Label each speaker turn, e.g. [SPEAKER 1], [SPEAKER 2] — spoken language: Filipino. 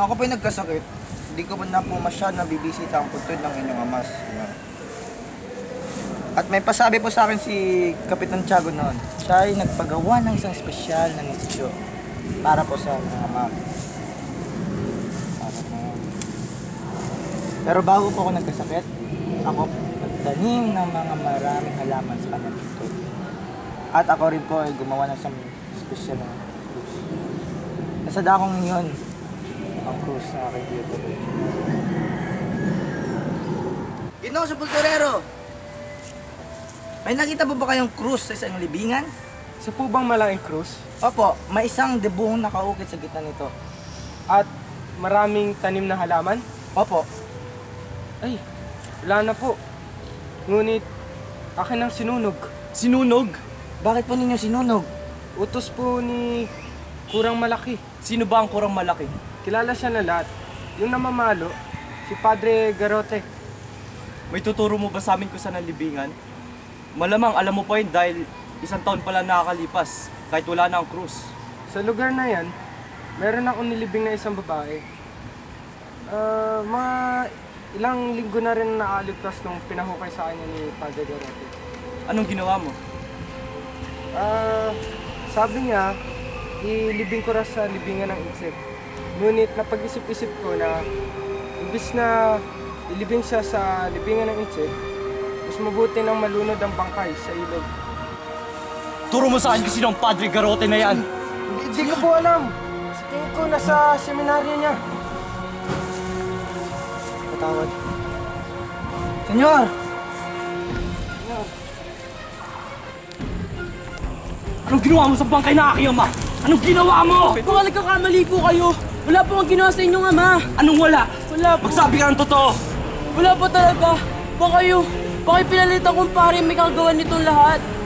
[SPEAKER 1] Nung ako po'y nagkasakit, hindi ko na po masyado nabibisita ang puntod ng inyong amas. At may pasabi po sa akin si Kapitan Tiago noon. Siya ay nagpagawa ng isang espesyal na nisyo para po sa mga ama. Pero bago po ako nagkasakit, ako nagtanim ng mga maraming halaman sa kanyang puntod. At ako rin po ay gumawa ng isang espesyal na krus. Nasa dakong yun, ang krus na aking dito. Ginoong Sepulturero! May nakita po ba kayong krus sa isang libingan?
[SPEAKER 2] Sa po bang malaking krus?
[SPEAKER 1] Opo, may isang debong nakaukit sa gitna nito.
[SPEAKER 2] At maraming tanim na halaman?
[SPEAKER 1] Opo.
[SPEAKER 2] Ay, wala na po. Ngunit, akin ang sinunog.
[SPEAKER 1] Sinunog? Bakit po ninyo sinunog?
[SPEAKER 2] Utos po ni Kurang Malaki.
[SPEAKER 3] Sino ba ang Kurang Malaki?
[SPEAKER 2] Kilala siya na lahat. Yung namamalo, si Padre Garote.
[SPEAKER 3] May tuturo mo ba sa amin kung saan ang libingan? Malamang alam mo pa yun dahil isang taon pala nakakalipas kahit wala na ang krus.
[SPEAKER 2] Sa lugar na yan, meron akong nilibing na isang babae. Mga ilang linggo na rin nakaligtas nung pinahukay sa kanya ni Padre Garote.
[SPEAKER 3] Anong ginawa mo?
[SPEAKER 2] Sabi niya, ilibing ko rin sa libingan ng Itzig. Ngunit napag-isip-isip ko na imbis na ilibing siya sa libingan ng Itzig, mas mabuti nang malunod ang bangkay sa ilog.
[SPEAKER 3] Turo mo sa akin kung sino ang Padre Garote na yan!
[SPEAKER 2] Hindi ko po alam. Sa tingin ko nasa seminaryo niya.
[SPEAKER 1] Patawad. Senyor!
[SPEAKER 3] Anong ginawa mo sa bangkay na aking ama? Anong ginawa mo?
[SPEAKER 4] Baka nagkakamali po kayo. Wala po ang ginawa sa inyong ama.
[SPEAKER 3] Anong wala?
[SPEAKER 4] Wala po.
[SPEAKER 3] Magsabi ka ng totoo!
[SPEAKER 4] Wala po talaga. Baka pinalitan kong pare may kagawa nitong lahat.